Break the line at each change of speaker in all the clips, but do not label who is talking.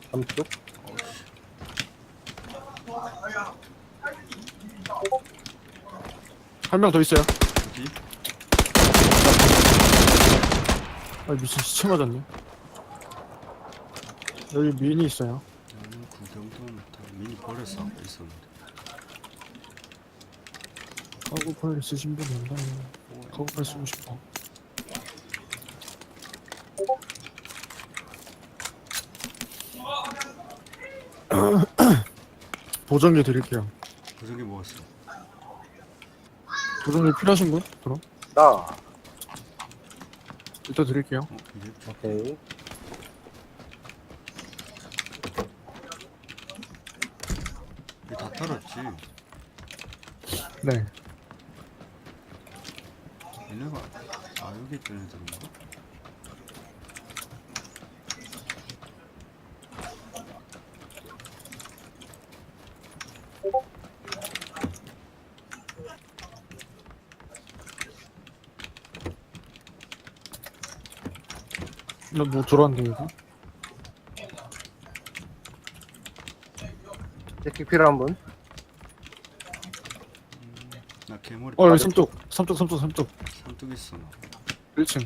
삼쪽?
어우씨.
한 명 더 있어요.
어디?
아 미친 시체 맞았네. 여기 미니 있어요.
나는 구경도 못하고 미니 버렸어. 아까 있었는데.
카고팔 쓰신 분 없나요? 카고팔 쓰고 싶어. 보정기 드릴게요.
고정기 먹었어.
보정기 필요하신 분? 그럼
나.
이따 드릴게요.
이게
오케이.
이게 다 털었지.
네.
얘네가 여기 있던 애들인가?
나뭐 들어왔는데 여기?
제킥 필요한 분?
나 개머리
여기 삼뚝
삼뚝 있어. 나.
1층.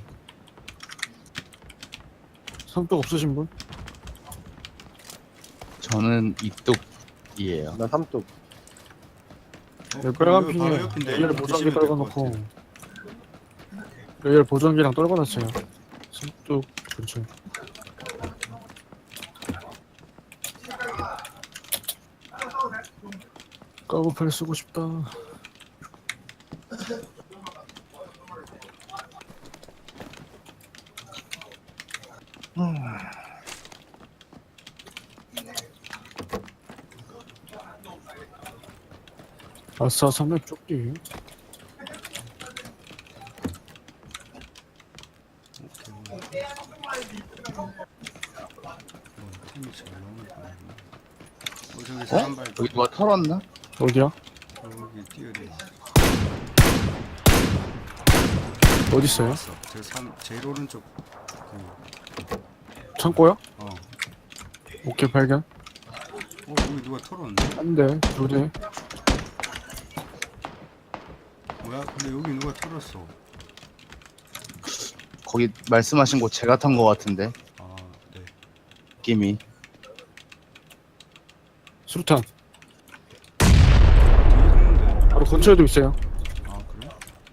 삼뚝 없으신 분?
저는 이뚝이에요.
나 삼뚝.
여기 빨간
여기
핑에
바로 옆인데
여기를
이거
보정기
드시면 될것
떨궈놓고
같아.
여기를 보정기랑 떨궈놨어요. 삼뚝 근처. 까고팔 쓰고 싶다. 아싸 삼렙 쪽지.
템이 잘 나오는 거 아니야? 저기 사람 발
여기 누가 털었나?
어디야?
저기 뛰어내.
어딨어요?
왔어. 제일 오른쪽 그
창고요?
어.
오케이 발견.
여기 누가 털었네.
한 대, 두 대.
뭐야? 근데 여기 누가 털었어.
거기 말씀하신 곳 제가 탄 거 같은데
아, 네.
느낌이.
수류탄.
뒤에 있는데.
바로 근처에도 있어요.
아, 그래?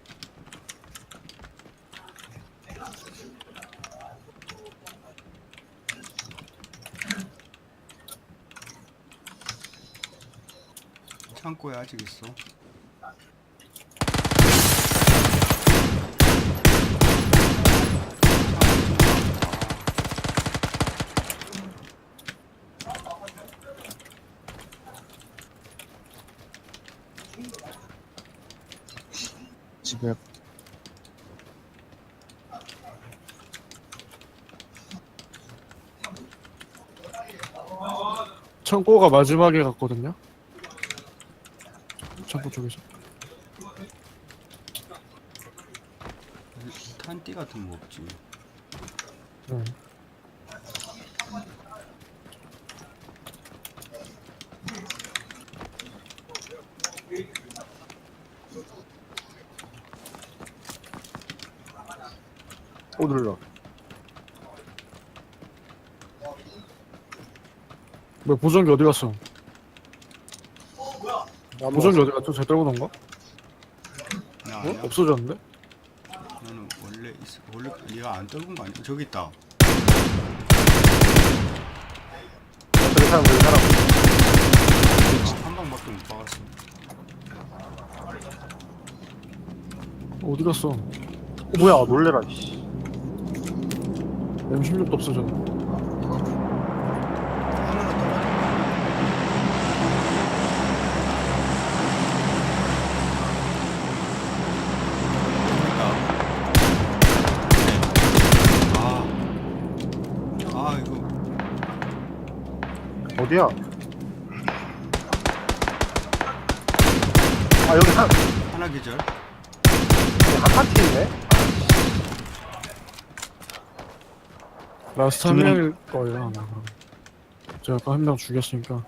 창고에 아직 있어.
집에
창고가 마지막에 갔거든요. 창고 쪽에서.
탄띠 같은 거 없지.
네.
오 눌러.
뭐 보정기 어디 갔어?
나무
보정기 어디 갔죠? 제가 떨고 놓은 거?
나
어?
아니야.
없어졌는데?
나는 원래 있어. 원래 얘가 안 떨군 거 아니야? 저기 있다.
저기 사람 저기 사람.
한 방밖에 못 박았어.
어디 갔어?
뭐야 놀래라. 씨.
M16도 없어졌네.
이거
어디야? 아 여기
하나 계절.
한 파티 있네?
라스트 한 명일 거예요 아마. 그럼. 제가 아까 한 명 죽였으니까.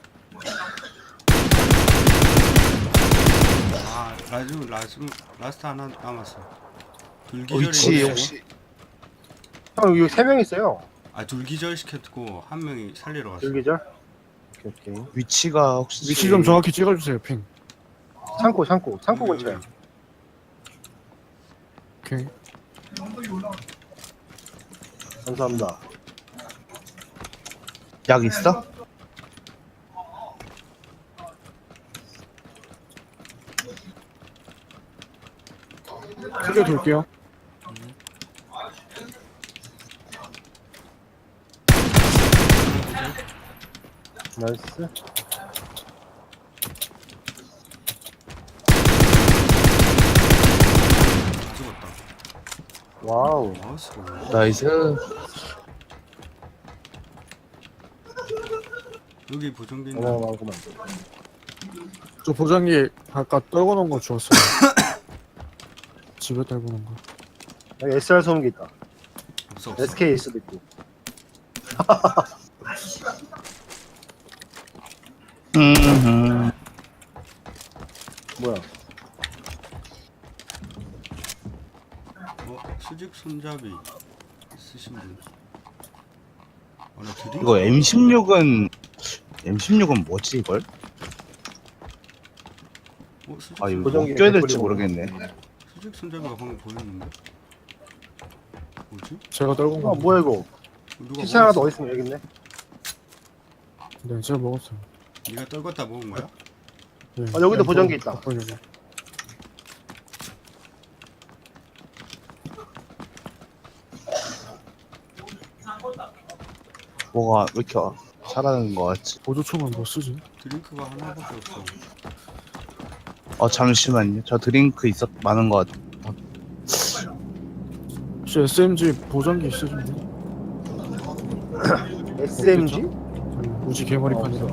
아 라스트 하나 남았어. 둘
위치
기절이
혹시
형 여기 3명 있어요.
아둘 기절 시켰고 한 명이 살리러 갔어.
줄기절. 오케이.
위치가 혹시
위치 좀 정확히 찍어주세요, 핑.
창고 근처에.
오케이.
감사합니다.
약 있어?
크게 돌게요.
나이스.
다 죽었다.
와우.
마우스.
나이스.
여기 보정기 있는.
어마어마하구만.
저 보장기 아까 떨궈 놓은 거 주웠어요. 집에 떨궈 놓은 거.
여기 SR 소음기 있다.
없어.
SK 수도 있고.
음.
뭐야?
수직 손잡이 쓰신 분. 나 드림.
이거 M16은 뭐지 이걸?
수직
아 이거
보정기
뭐 껴야 될지
개꿀이구나.
모르겠네.
수직 손잡이가 방금 보였는데. 뭐지?
제가 떨궈 거.
뭐야 이거?
누가
피치 하나 더
먹었어?
있으면 여기 있네.
네, 제가 먹었어요.
네가 떨궜다 먹은 거야?
네.
여기도 보정기 있다.
바꾸려고.
뭐가 왜 이렇게 잘하는 거 같지?
보조총은 뭐 쓰지?
드링크가 하나밖에 없어.
잠시만요. 저 드링크 많은 거 같아.
혹시 SMG 보정기 있으신가요?
SMG?
아니, 우지 개머리판이라.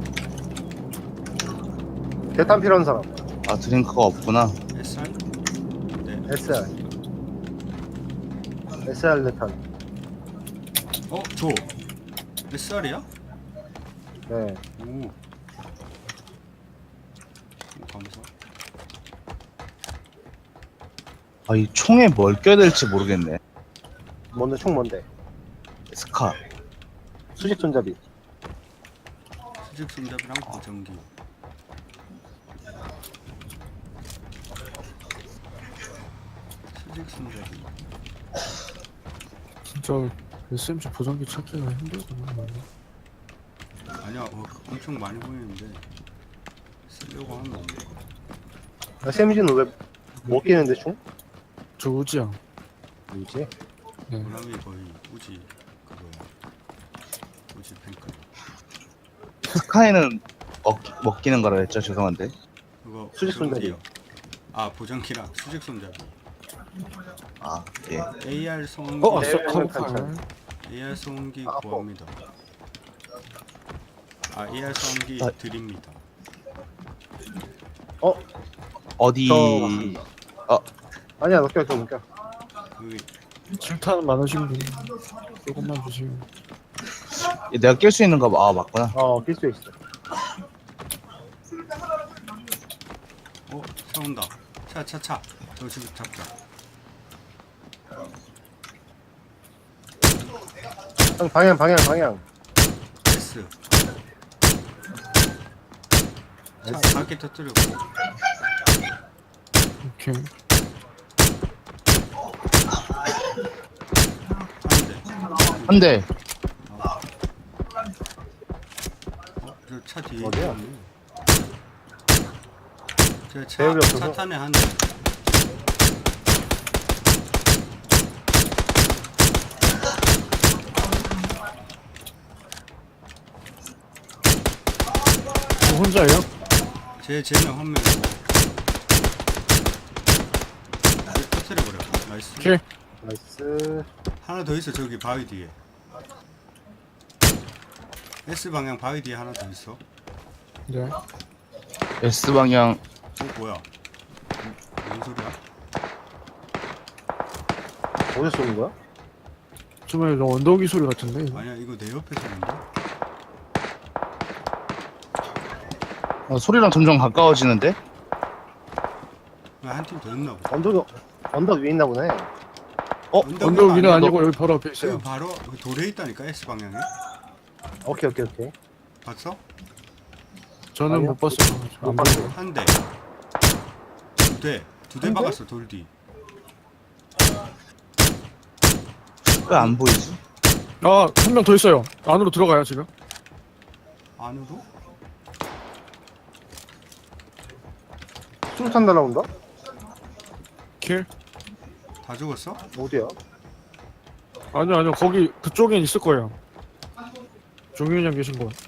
대탄 필요한 사람.
아 드링크가 없구나.
SR? 네.
SR. SR 대탄.
줘. SR이야?
네.
오. 감사.
아 이 총에 뭘 껴야 될지 모르겠네.
뭔데 총 뭔데?
스카.
수직 손잡이.
수직 손잡이랑 보정기. 수직 손잡이.
진짜 SMG 보정기 찾기가 힘들구나.
아니야, 엄청 많이 보이는데 쓰려고 하면 안 돼.
SMG는 왜 못 끼는데 총?
저 우지야.
뭐지?
네.
보람이 거의 우지 그거야. 우지 탱크.
스카이는 먹기는 거라 했죠. 죄송한데.
그거
수직 손잡이.
보정기요. 아 보정기랑 수직 손잡이.
아 예.
AR 소음기.
아싸
네,
카고팔.
AR 소음기
아,
구합니다. AR 소음기
아.
드립니다.
어디?
아니야, 너 껴.
여기
질타는 많으신 분 조금만 주세요.
내가 낄 수 있는 거 맞구나.
낄 수 있어.
차 온다. 차. 저 지금 잡자.
형 방향.
S. 차 바퀴 터뜨리고.
오케이.
한 대.
한 대.
저 차 뒤에
어디야?
있네. 저
배율이 없어서?
차 탄에 한 대.
저 혼자예요?
쟤는 한 명이고. 터뜨려버려. 나이스.
오케이.
나이스.
하나 더 있어, 저기 바위 뒤에. S 방향 바위 뒤에 하나 더 있어.
네.
S 방향.
뭐야? 뭔 소리야?
어디서 쏘는 거야?
정말 언덕이 소리 같은데. 이거?
아니야, 이거 내 옆에 서는데?
소리랑 점점 가까워지는데?
한 팀 더 있나 보다.
언덕 위에 있나 보네.
언덕 위는 아니고 여기 바로 앞에 있어요.
여기 바로 여기 돌에 있다니까 S 방향에.
오케이.
봤어?
저는
아니요.
못 봤어요.
못
안
봤어요.
보여요.
한 대. 두 대. 두 대
한 대?
박았어 돌 뒤.
왜 안 보이지?
아, 한 명 더 있어요. 안으로 들어가요, 지금.
안으로?
수류탄 날라온다?
킬?
다 죽었어?
어디야?
아니요. 거기, 그쪽엔 있을 거예요. 종윤이 형 계신 곳.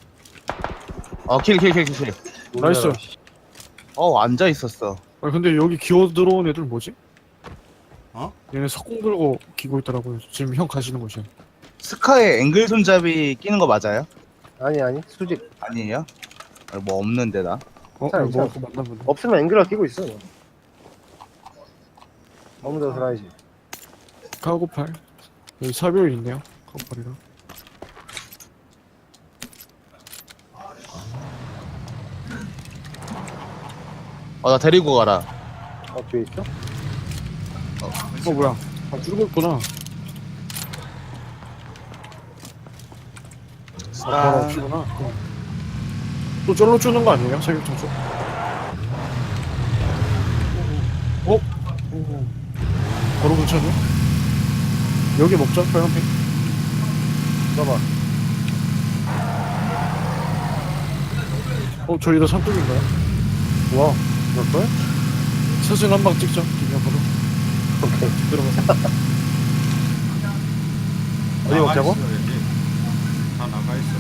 킬.
나이스.
앉아 있었어.
아, 근데 여기 기어 들어온 애들 뭐지?
어?
얘네 석공 들고 기고 있더라고요. 지금 형 가시는 곳이.
스카에 앵글 손잡이 끼는 거 맞아요?
아니 수직.
아니에요? 뭐 없는데 나.
괜찮아,
뭐,
괜찮아.
맞나 보네.
없으면 앵글을 끼고 있어. 너무 더 살아야지.
카고팔. 여기 사별 있네요. 카고팔이랑.
나 데리고 가라.
뒤에 있어?
뭐야. 아, 죽었구나. 바로 없구나. 또 쫄로 주는 거 아니에요? 사격장 쪽? 바로 근처네? 여기 먹자, 빨간핑.
봐봐.
저희도 삼뚝인가요?
와, 몇걸?
사진 한 방 찍자, 기념으로.
오케이.
들어가서.
어디 먹자고?
있어, 여기. 다 나가 있어.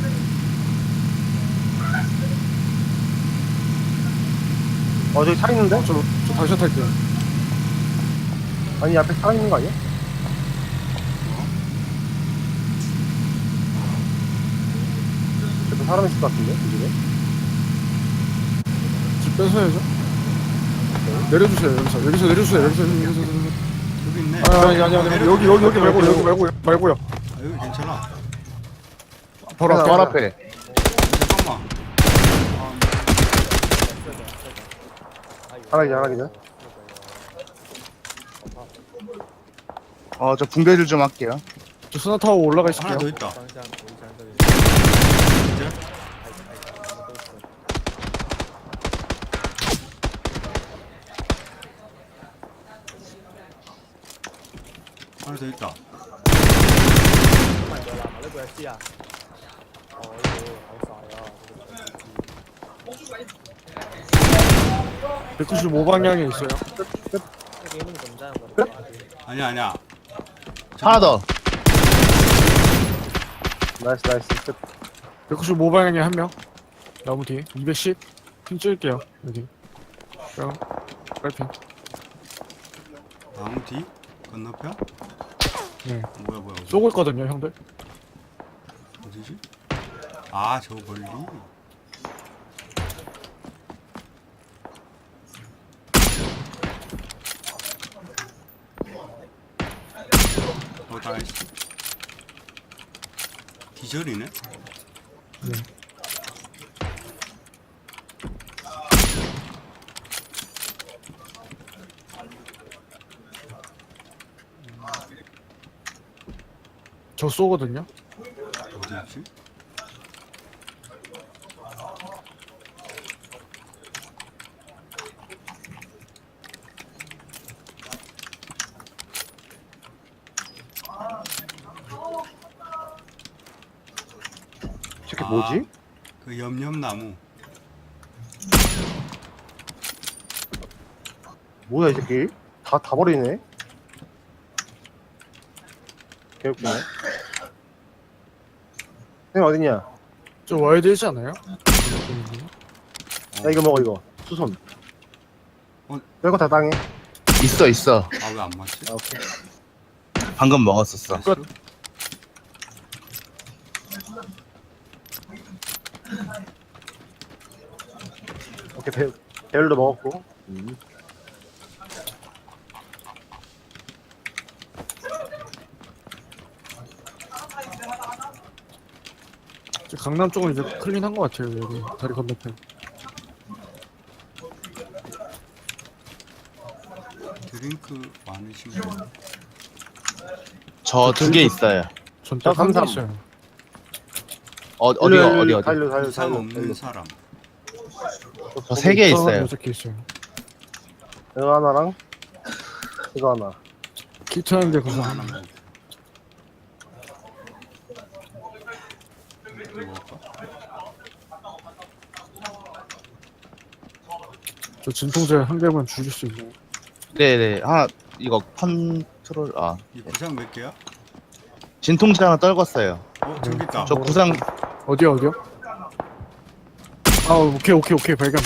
저기 차 있는데?
저 다시 탈게요.
아니, 앞에 차 있는 거 아니야? 저도 사람 있을 것 같은데, 이 집에?
집 뺏어야죠. 내려주세요, 여기서 내려주세요, 여기서.
여기 있네.
아니, 여기 말고요.
아, 여기 괜찮아.
바로 앞에.
바로 앞에.
잠깐만.
하나 기자.
저 붕대질 좀 할게요.
저 스나타워 올라가
하나 더
있을게요.
있다. 하나 더 있다.
呢個 S 啊？哦，呢個好晒啊！
195방향에 있어요.
呢幾咁緊張我哋
아니야.
하나 더.
나이스. 끝.
195방향에 한 명. 나무 뒤에. 210. 핀 찍을게요. 여기. 빨핀.
나무 뒤? 건너편?
네.
뭐야.
쏘고 있거든요, 형들.
어디지? 아, 저 멀리. 다 있어. 기절이네?
네. 저 쏘거든요.
어디 있지?
저게 뭐지?
그 염염나무.
뭐야, 이 새끼? 다 버리네? 개웃기네. 형 어딨냐?
저 와야 되지 않아요?
나 이거 먹어, 이거. 수손. 별거 다 당해.
있어.
아, 왜 안 맞지?
아, 오케이.
방금 먹었었어.
끝.
오케이, 배율도 먹었고.
저 강남 쪽은 이제 클린한 것 같아요. 여기 다리 건너편.
드링크 많으신 분.
저 2개 있어요.
전딱
저
한개
33.
있어요.
어디?
달려
부상 없는 사람.
저 3개 있어요.
6개 있어요.
이거 하나랑 이거 하나.
키트하는데
그거
구상.
하나 먹고. 먹을까?
저 진통제 한 개만 주실 수 있나요?
네네. 하나 이거 컨트롤
이 부상 몇 개야?
진통제 하나 떨궜어요.
저기 있다.
저 구상
어디요? 아, 오케이. 발견.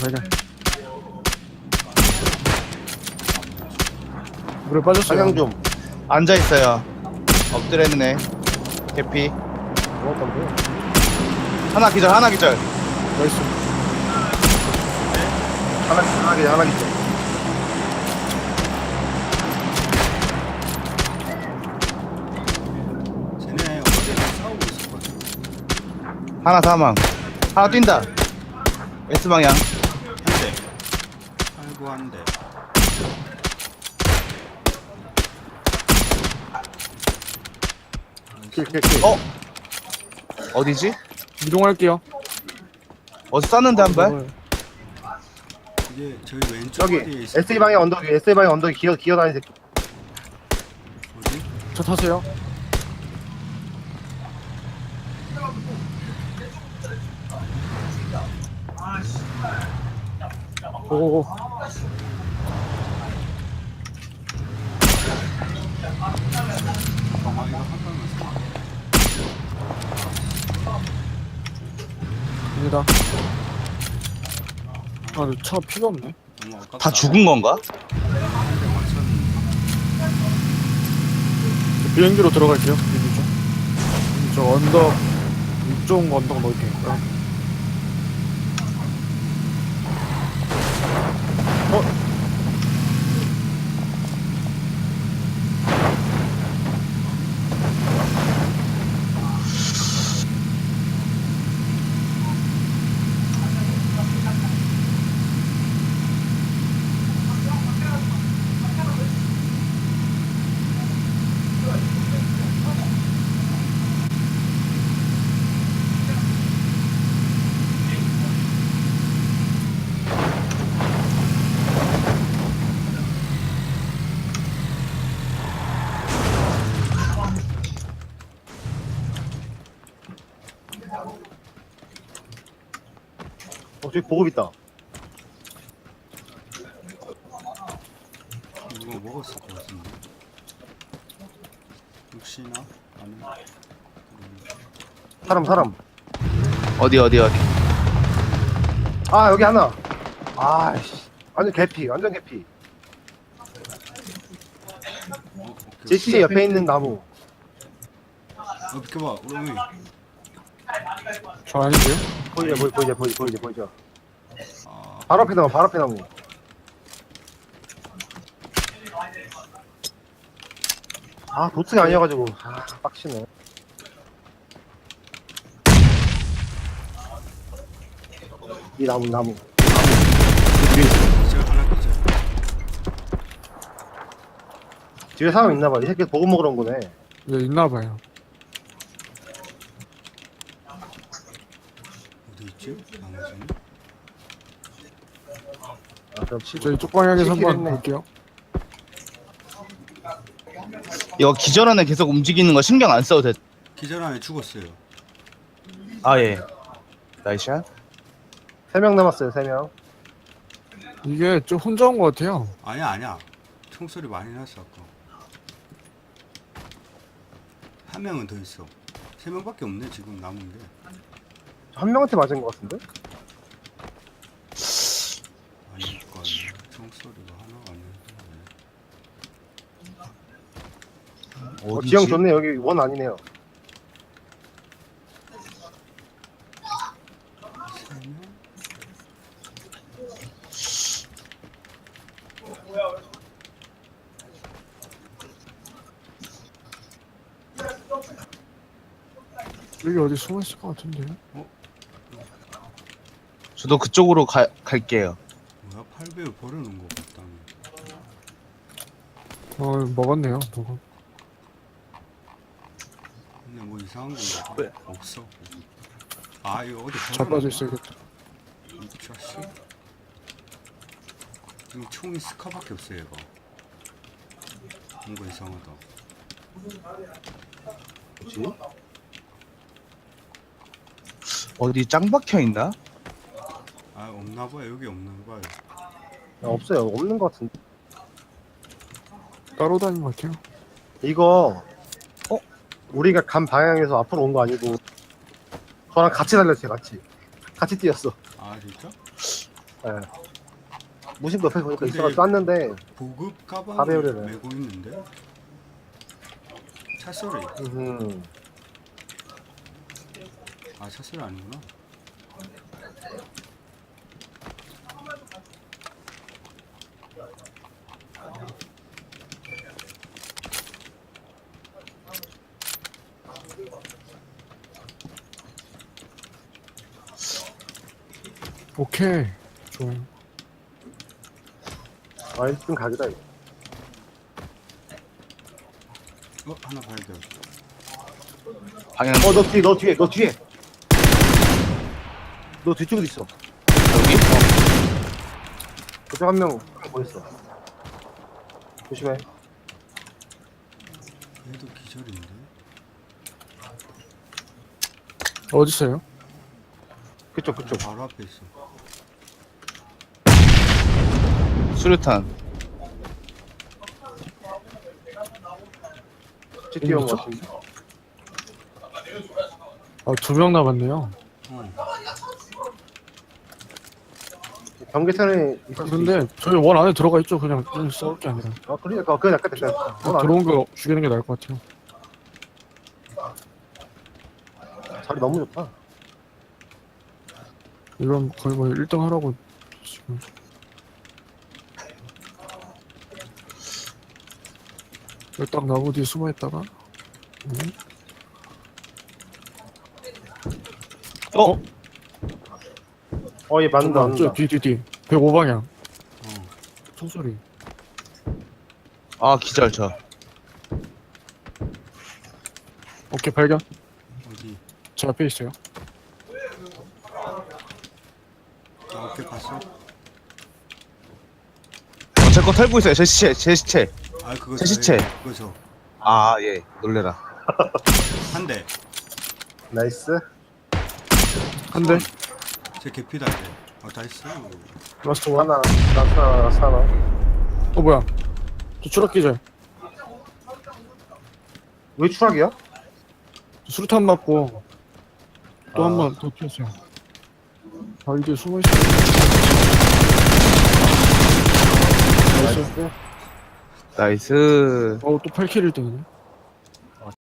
물에 빠졌어요.
사냥 좀.
앉아 있어요. 엎드려 있는 애. 개피.
뭐 건데?
하나 기절.
나이스.
하나 있어.
쟤네 어제 싸우고 있었거든.
하나 사망. 하나 뛴다. S 방향.
한 대. 아이고 한 대.
킬.
어디지?
이동할게요.
어디 쐈는데 한 발?
이게 저희 왼쪽
저기
어디에 있어?
SE 방향 언덕 위에 SE 방향 언덕 기어 다니는 새끼.
어디?
저 타세요. 오오오.
잠깐만 이거 한 발만 써.
입니다. 아, 차 피가 없네.
너무 아깝다.
다 죽은 건가?
한대 맞췄는데.
저 비행기로 들어갈게요. 비행기 쪽. 저 언덕 이쪽 언덕 넣을게요.
저기 보급 있다.
누가 먹었을 것 같은데. 혹시나? 아니.
사람.
어디?
아 여기 하나. 아씨. 완전 개피.
오케이.
제시 옆에 있는 나무.
비켜봐, 우렁이.
저 아닌데요?
보이죠.
아,
바로 앞에 나무. 아 도트가 아니어가지고 빡치네. 이 나무.
기절 하나 기절.
뒤에 사람 있나봐. 이 새끼 보급 먹으러 온 거네.
예, 있나봐요.
어디 있지? 나머지는?
아 그럼
저 이쪽 방향에서 한번
시키겠네.
볼게요.
이거 기절하는 계속 움직이는 거 신경 안 써도 돼.
기절 안에 죽었어요.
아 예. 나이샷.
3명 남았어요. 3명.
이게 좀 혼자 온 것 같아요.
아니야. 총소리 많이 났어, 아까. 한 명은 더 있어. 3명밖에 없네, 지금 남은 게.
한 명한테 맞은 것 같은데?
아닐까. 총소리가 하나가 아닌데.
어디지?
지형 좋네. 여기 원 아니네요.
3명?
여기 어디 숨어 있을 것 같은데요?
저도 그쪽으로 갈게요.
뭐야, 8배율 버려놓은 거 같다며.
먹었네요. 저거.
근데 뭐 이상한 거
왜?
없어. 아 이거 어디
잘 빠져 있어야겠다.
이 자식. 지금 총이 스카밖에 없어 얘가. 뭔가 이상하다.
뭐지?
어디 짱 박혀 있나?
아 없나봐요. 여기 없나봐요.
없어요. 없는 것 같은데.
따로 다니는 것 같아요.
이거 우리가 간 방향에서 앞으로 온 거 아니고 저랑 같이 달렸어요. 같이 뛰었어.
아 진짜?
예. 무심도 옆에 보니까
근데
있어가지고 쐈는데
보급
다
가방을
배우려네.
메고 있는데? 차소리. 아 차소리 아니구나.
오케이. 좋아요.
아 1등 각이다 이거.
하나 발견.
방향
너 뒤에 너 뒤쪽에도 있어.
여기?
그쪽 한명 보였어. 조심해.
얘도 기절인데?
어디 있어요?
그쪽
바로 앞에 있어.
수류탄.
같이 뛰어온 것 같은데.
아, 2명 남았네요.
경계선에 있을 수
근데 저희 원 안에 들어가 있죠. 그냥 싸울 게 아니라.
있어. 그러니까 그건 약간 됐다.
들어온 거 죽이는 게 나을 것 같아요.
자리 너무 좋다.
이건 거의 뭐 1등 하라고 지금. 여기 딱 나무 뒤에 숨어 있다가.
얘 맞는다.
저 뒤. 105방향.
어.
총소리.
아 기절 저.
오케이, 발견.
어디?
제 앞에 있어요.
아 오케이 봤어?
제 거 털고 있어요. 제 시체.
아 그거
제 시체.
그거 저.
아 예. 놀래라.
한 대.
나이스.
한 대.
제 개피다 이제. 다 있어.
라스트 원.
하나.
뭐야. 저 추락 기절.
왜 추락이야?
저 수류탄 맞고 또 한
아.
번 더 튀었어요. 아, 이제 숨어 있어. 나이스.
나이스.
또 8킬 1등이네.